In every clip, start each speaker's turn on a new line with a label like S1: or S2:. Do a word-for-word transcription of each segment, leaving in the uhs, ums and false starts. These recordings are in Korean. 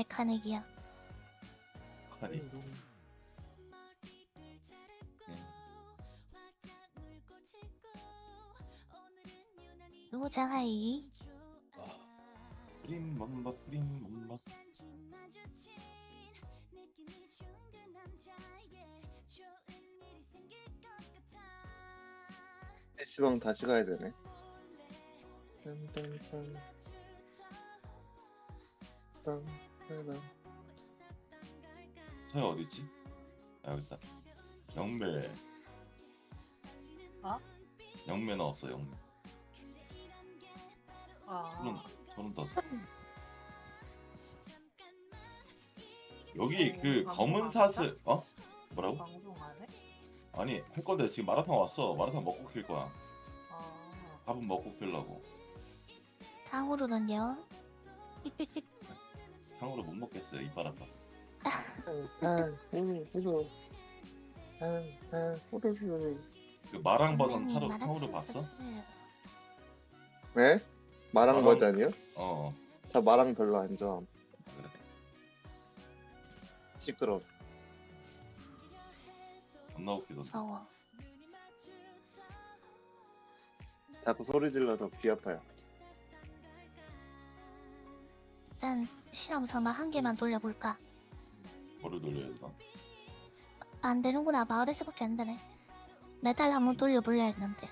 S1: 카네기야.
S2: 카리.
S1: 로자하이.
S2: 프린 맘마 프린 맘마.
S3: 피시방 다시 가야 되네. 딴딴딴. 딴딴딴.
S2: 서야 어디있지? 아 여기 있다. 영매.
S4: 어?
S2: 영매 나왔어 영매. 저는
S4: 아,
S2: 저는 다섯. 여기 그
S4: 방송
S2: 검은
S4: 안
S2: 사슬 어? 뭐라고?
S4: 방송 안 해?
S2: 아니 할 건데 지금 마라탕 왔어. 마라탕 먹고 킬 거야.
S4: 아,
S2: 밥은 먹고 킬라고.
S1: 상으로는요?
S2: 향으로 못 먹겠어요 이빨 아파.
S3: 딴딴. 후루 후루. 딴딴 후루 후루.
S2: 그 마랑 버전
S1: 선배님,
S2: 타로
S1: 마라탕
S2: 탕후루 봤어?
S1: 사주세요.
S3: 네? 마랑
S2: 마랑-
S3: 버전이요?
S2: 어
S3: 저 마랑 별로 안 좋아함.
S2: 그래.
S3: 시끄러워서.
S2: 존나 웃기던데.
S1: 무서워.
S3: 자꾸 소리 질러서 귀 아파요.
S1: 일단 실험 삼아 한 개만 돌려볼까?
S2: 뭐를 돌려야 되나?
S1: 안 되는구나. 마을에서밖에 안 되네. 메탈 한번 돌려볼려 했는데.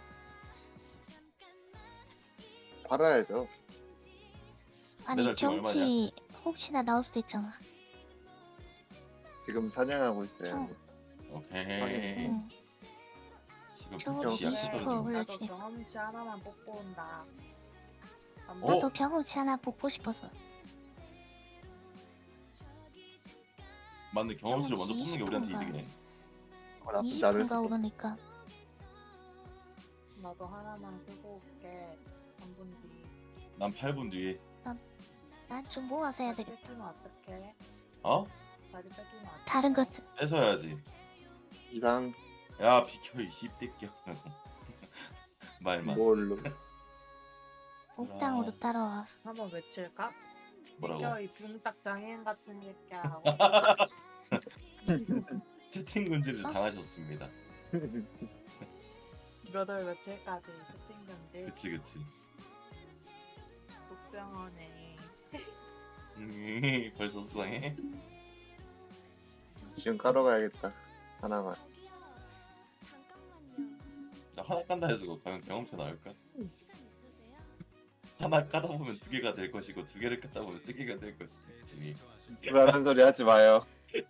S3: 팔아야죠.
S1: 아니
S2: 메탈 지금
S1: 경치 혹시나 나올 수도 있잖아.
S3: 지금 사냥하고 있어요.
S1: 형.
S2: 오케이.
S1: 응.
S2: 지금
S1: 저
S2: 경치 약간
S1: 이십 퍼센트
S2: 떨어지고.
S1: 올려-
S4: 나도
S1: 올려주니까.
S4: 경험치 하나만 뽑고 온다. 안
S2: 어?
S1: 나도 경험치 하나 뽑고 싶어서.
S2: 맞네 경험치를 먼저
S1: 경험치
S2: 뽑는 게 우리한테
S1: 이십
S2: 이득이네.
S3: 어, 나쁘지
S1: 이십
S3: 않을
S1: 퍼센트가
S3: 수도.
S1: 오르니까.
S4: 나도 하나만 쓰고 올게. 삼 분 뒤.
S2: 난 팔 분 뒤에.
S1: 난 좀 모아서 해야
S4: 자리
S1: 되겠다.
S4: 뺏기면 어떡해?
S2: 어?
S4: 자리 뺏기면 어떡해?
S1: 다른 것
S2: 뺏어야지.
S3: 이상
S2: 야 비켜 이 씹새끼야. 말만.
S3: 뭘로.
S1: 옥당으로 따라와.
S4: 한번 외칠까?
S2: 뭐라고?
S4: 비켜 이 붕딱 장애인 같은 새끼야 하고.
S2: 채팅 금지를
S1: 어?
S2: 당하셨습니다.
S4: 몇 월 며칠까지 채팅 금지.
S2: 그치 그치.
S4: 독병원에
S2: 음, 벌써 수상해?
S3: 지금 까러 가야겠다. 하나만.
S2: 나 하나 깐다 해서 그거 과연 경험치 나올까? 하나 까다 보면 두 개가 될 것이고 두 개를 까다 보면 세 개가 될 것이지.
S3: 불안한 소리 하지 마요.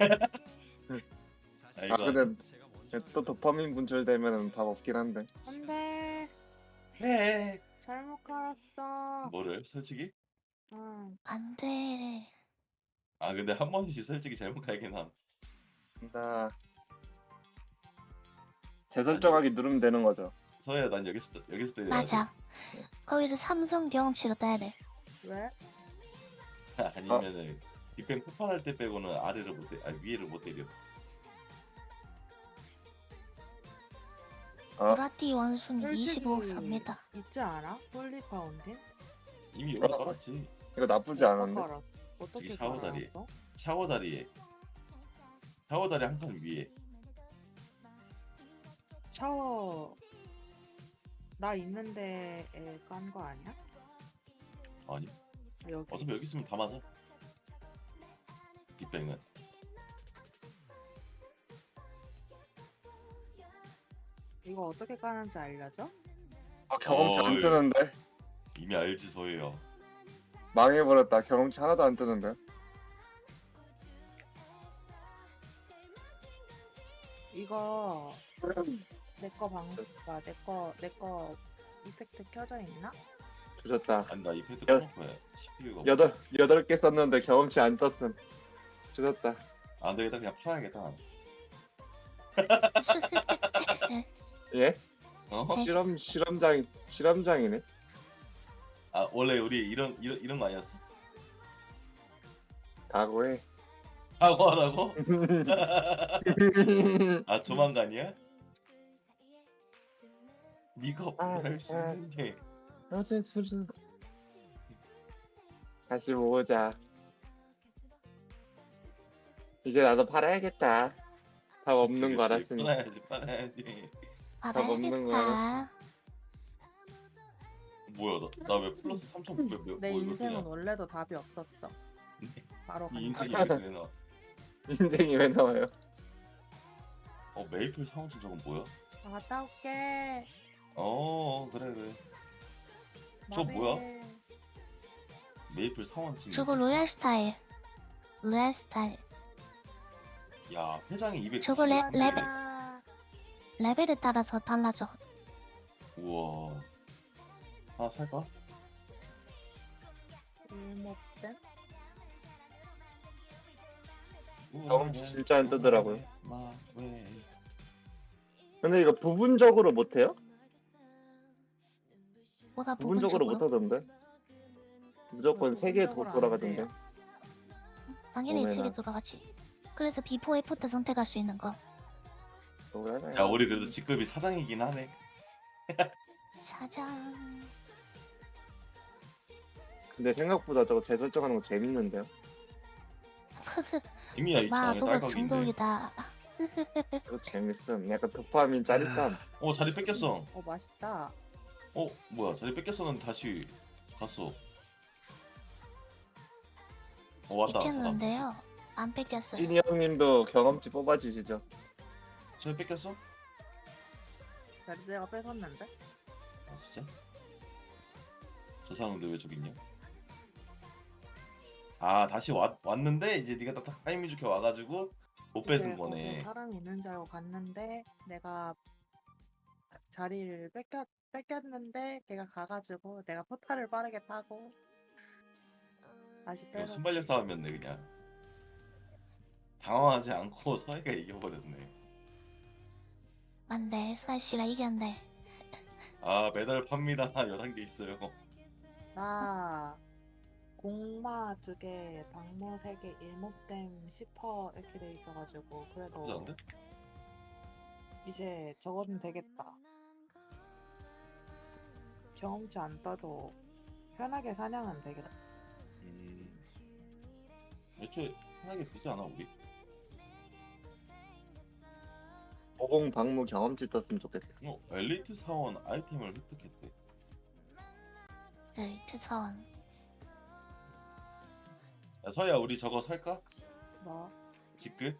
S2: 아
S3: 아
S2: 이거
S3: 근데 또 도파민 분출되면은 답 없긴 한데.
S4: 안돼
S2: 해.
S4: 잘못 깔았어.
S2: 뭐를? 솔직히?
S4: 응.
S1: 안 돼.
S2: 아 근데 한 번씩 솔직히 잘못 갈긴 함.
S3: 나 재설정하기 누르면 되는 거죠.
S2: 서야 난 여기서 여기서 때려야
S1: 맞아. 거기서 삼성 경험치로 따야 돼.
S4: 왜?
S2: 돼. 아니면은 빅뱅 폭발할 때 빼고는 아래를 못 때, 아 위에를 못 때려.
S3: 어?
S1: 보라티 원숭이
S4: 솔직히
S1: 이십오억 삽니다.
S4: 있지 않아? 홀리 파운틴?
S2: 이미 여기 깔았지.
S3: 이거 나쁘지 않은데.
S4: 깔았어? 어떻게
S2: 저기 샤워 자리에.
S4: 깔았어?
S2: 샤워 다리에. 샤워 다리 한 칸 위에.
S4: 샤워 나 있는데 깐 거 아니야?
S2: 아니
S4: 여기
S2: 어차피 여기 있으면 다 맞아. 빅뱅은.
S4: 이거 어떻게 까는지 알려줘?
S3: 아 경험치 안
S2: 어이.
S3: 뜨는데.
S2: 이미 알지 저예요.
S3: 망해버렸다. 경험치 하나도 안 뜨는데.
S4: 이거 내 거 방송가 내거 내 거 이펙트 켜져 있나?
S3: 조졌다.
S2: 아니 나 이펙트
S3: 여-
S2: 꺼놓고 해. 씨피유가.
S3: 여덟 여덟 개 썼는데 경험치 안 떴음. 조졌다.
S2: 안 되겠다 그냥 팔아야겠다.
S3: 예?
S2: 어?
S1: 네.
S3: 실험 실험장 실험장이네.
S2: 아 원래 우리 이런 이런 이런 거 아니었어?
S3: 각오해.
S2: 하고 하라고? 아 조만간이야? 네가 없으면 할수
S3: 아, 아.
S2: 있는 게.
S3: 어제 술은 다시 모으자. 이제 나도 팔아야겠다. 답 없는
S2: 그치,
S3: 거
S2: 그치.
S3: 알았으니.
S2: 빨아야지 빨아야지.
S3: 없는 거야.
S1: 알아야겠다.
S2: 뭐야 나 왜 플러스 삼천구백 뭐
S4: 내
S2: 이거
S4: 인생은
S2: 그냥
S4: 원래도 답이 없었어. 바로
S2: 이
S4: 간다.
S2: 인생이 왜 이렇게 되나?
S3: 인생이 왜 나와요?
S2: 어 메이플 사원증 저건 뭐야?
S4: 아, 갔다 올게.
S2: 어 그래 그래. 저거
S4: 맘에.
S2: 뭐야? 메이플 사원증.
S1: 저거 로얄 스타일. 로얄 스타일.
S2: 야 회장이 이백.
S1: 저거 레- 레벨.
S4: 아,
S1: 레벨에 따라서 달라져.
S2: 우와. 하나 살까?
S4: 일목된?
S3: 경험치 진짜 안 뜨더라고요.
S2: 마왜
S3: 근데 이거 부분적으로 못해요?
S1: 뭐가
S3: 부분적으로
S1: 부분적으로?
S3: 못하던데? 무조건 세 개 더
S4: 부분적으로 안
S3: 돌아가던데.
S4: 돼요.
S1: 당연히
S3: 오메나.
S1: 세개 돌아가지. 그래서 비포 애프터 선택할 수 있는 거.
S3: 뭐라나요?
S2: 야 우리 그래도 직급이 사장이긴 하네.
S1: 사장.
S3: 근데 생각보다 저거 재설정하는 거 재밌는데요?
S2: 이미야 이
S1: 마
S2: 장에
S1: 너가
S2: 딸깍인데.
S1: 중독이다.
S3: 이거 재밌음. 약간 도파민 짜릿함.
S2: 어 자리 뺏겼어.
S4: 어, 맛있다.
S2: 어 뭐야 자리 뺏겼었는데 다시 갔어. 어 왔다. 사람.
S1: 있겠는데요. 안 뺏겼어요.
S3: 찐이 형님도 경험치 뽑아주시죠.
S2: 자리 뺏겼어?
S4: 자리 내가 뺏었는데?
S2: 아 진짜? 저 사람인데 왜 저기 있냐? 아 다시 왔, 왔는데 이제 네가 딱 타이밍 좋게 와가지고 못
S4: 이제
S2: 뺏은
S4: 거기
S2: 거네.
S4: 사람이 있는 줄 알고 갔는데 내가 자리를 뺏겼, 뺏겼는데 걔가 가가지고 내가 포탈을 빠르게 타고 다시
S2: 이거
S4: 뺏었지.
S2: 순발력 싸움이었네 그냥. 당황하지 않고 서해가 이겨버렸네.
S1: 안돼. 수아씨가 이겼네.
S2: 아 메달 팝니다. 열한 개 있어요.
S4: 나 공마 두 개, 방모 세 개, 일목댐 십 퍼센트 이렇게 돼 있어가지고
S2: 나쁘지
S4: 그래도
S2: 않은데?
S4: 이제 저거는 되겠다. 경험치 안 떠도 편하게 사냥은 되겠다.
S2: 음... 애초에 편하게 되지 않아 우리?
S3: 오공 방무 경험치 떴으면 좋겠다.
S2: 어 엘리트 사원 아이템을 획득했대.
S1: 엘리트 사원.
S2: 야 서해야 우리 저거 살까?
S4: 뭐?
S2: 직급?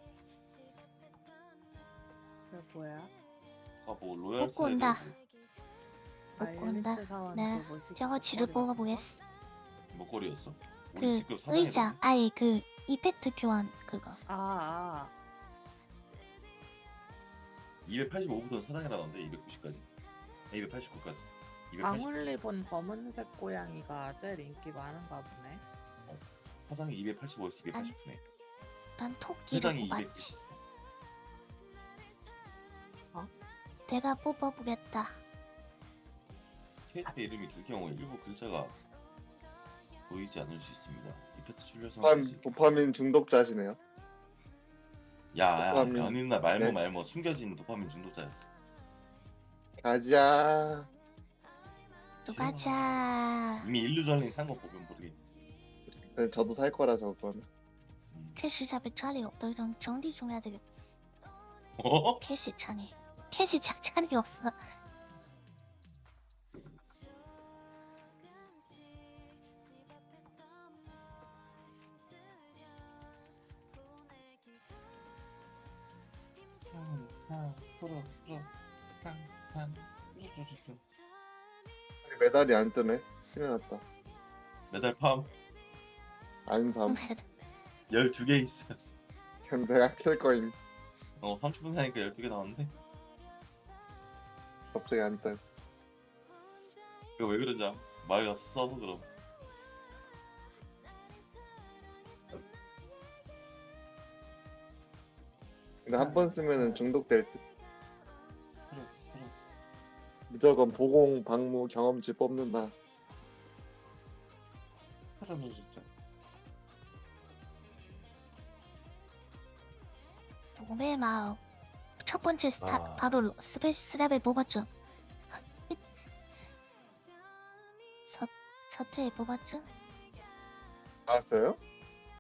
S4: 그게 뭐야?
S2: 아뭐 로얄
S1: 뽑고 온다.
S2: 스레드
S4: 아,
S1: 먹고 온다.
S4: 엘리트 사원
S1: 네,
S4: 그 뭐지?
S1: 저거 지를
S4: 목걸이
S1: 뽑아보겠어.
S2: 목걸이였어? 우리
S1: 그
S2: 직급 사장이라고.
S1: 의자. 아니 그 이펙트 교환 그거.
S4: 아, 아.
S2: 이백팔십오부터 사장이라던데 이백구십까지. 이백팔십구까지. 이백팔십.
S4: 방울리 본 검은색 고양이가 제일 인기 많은가 보네.
S2: 사장이 이백팔십오에서 이백팔십구네.
S1: 난 토끼를
S2: 회장이
S1: 뽑았지.
S4: 어?
S1: 내가 뽑아보겠다.
S2: 캐릭터 이름이 길 경우에 일부 글자가 보이지 않을 수 있습니다. 이펙트 출력성.
S3: 도파민, 도파민 중독자시네요.
S2: 야야
S3: 도파민.
S2: 연인나 말모
S3: 네.
S2: 말모 숨겨진 도파민 중독자였어.
S3: 가자.
S1: 또 가자.
S2: 이미 일루전링 산거 보면 모르겠지.
S3: 네, 저도 살 거라서 그거는.
S2: 음.
S1: 确实在被抓里없다 이런 정리 좀 해야 되겠다.
S2: 어?
S1: 캐시 차니. 캐시 작차이 없어.
S3: 메달이 안 뜨네. 큰일 났다.
S2: 메달 팜
S3: 안삼.
S2: 열두 개 있어.
S3: 그냥 내가 킬 거임.
S2: 어 삼십 분 사니까 열두 개 나왔는데.
S3: 갑자기 안 떠.
S2: 이거 왜 그러냐? 말가 써서 그럼.
S3: 근데 한 번 쓰면은 중독될 듯.
S2: 그래, 그래.
S3: 무조건 보공, 방무, 경험치 뽑는다.
S2: 하라면 진짜.
S1: 몸의 마음. 첫 번째 스타
S5: 아.
S1: 바로 스페이스 레벨 뽑았죠. 첫 첫회에 뽑았죠.
S3: 나왔어요?